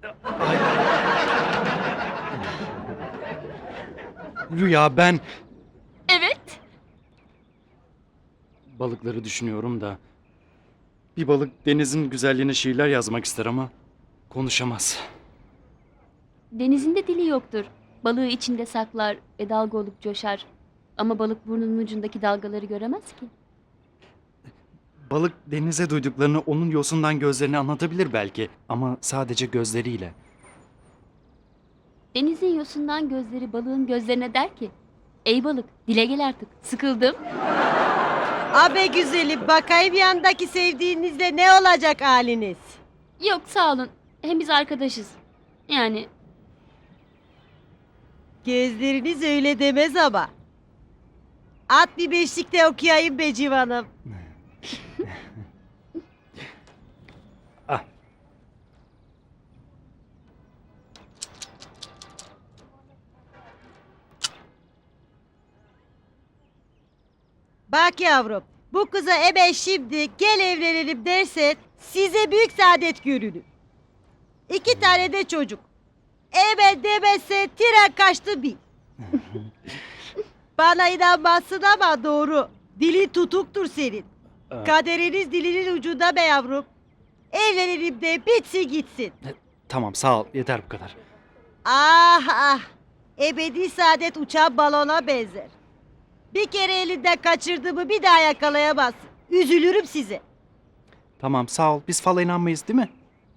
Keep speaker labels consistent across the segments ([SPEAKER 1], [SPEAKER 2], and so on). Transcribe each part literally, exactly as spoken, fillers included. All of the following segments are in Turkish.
[SPEAKER 1] Ay. Rüya, ben
[SPEAKER 2] Evet.
[SPEAKER 1] balıkları düşünüyorum da bir balık denizin güzelliğine şiirler yazmak ister ama konuşamaz.
[SPEAKER 2] Denizin de dili yoktur. Balığı içinde saklar ve dalga olup coşar. Ama balık burnunun ucundaki dalgaları göremez ki.
[SPEAKER 1] Balık denize duyduklarını onun yosundan gözlerine anlatabilir belki ama sadece gözleriyle.
[SPEAKER 2] Denizin yosundan gözleri balığın gözlerine der ki... Ey balık, dile gel artık. Sıkıldım.
[SPEAKER 3] Abe güzelim, bakayım yandaki sevdiğinizle ne olacak haliniz?
[SPEAKER 2] Yok sağ olun. Hem biz arkadaşız. Yani
[SPEAKER 3] Gözleriniz öyle demez ama. At bir beşlikte okuyayım be civanım.
[SPEAKER 1] Ah.
[SPEAKER 3] Bak yavrum, bu kıza ebe şimdi gel evlenelim dersen size büyük saadet görünür. İki tane de çocuk. Ebe demezse tren kaçtı bil. Bana inanmazsın ama doğru. Dili tutuktur senin.
[SPEAKER 1] Aa.
[SPEAKER 3] Kaderiniz dilinin ucunda be yavrum. Evlenelim de bitsin gitsin.
[SPEAKER 1] Tamam, sağ ol, yeter bu kadar.
[SPEAKER 3] Ah ah. Ebedi saadet uçan balona benzer. Bir kere elinden kaçırdığımı bir daha yakalayamazsın. Üzülürüm size.
[SPEAKER 1] Tamam, sağ ol, biz fala inanmayız değil mi?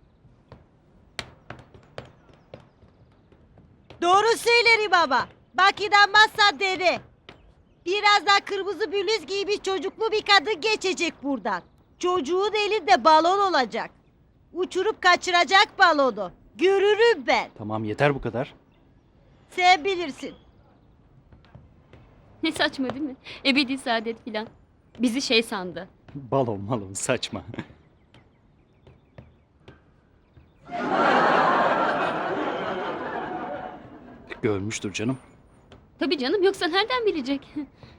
[SPEAKER 3] Doğru söylerim ama. Bak inanmazsan dene. Birazdan kırmızı bluz giymiş çocuklu bir kadın geçecek buradan. Çocuğun elinde balon olacak. Uçurup kaçıracak balonu. Görürüm ben.
[SPEAKER 1] Tamam, yeter bu kadar.
[SPEAKER 3] Sen bilirsin.
[SPEAKER 2] ne saçma değil mi? Ebedi saadet filan. Bizi şey sandı.
[SPEAKER 1] Balon malon saçma. Görmüştür canım.
[SPEAKER 2] Tabii canım, yoksa nereden bilecek?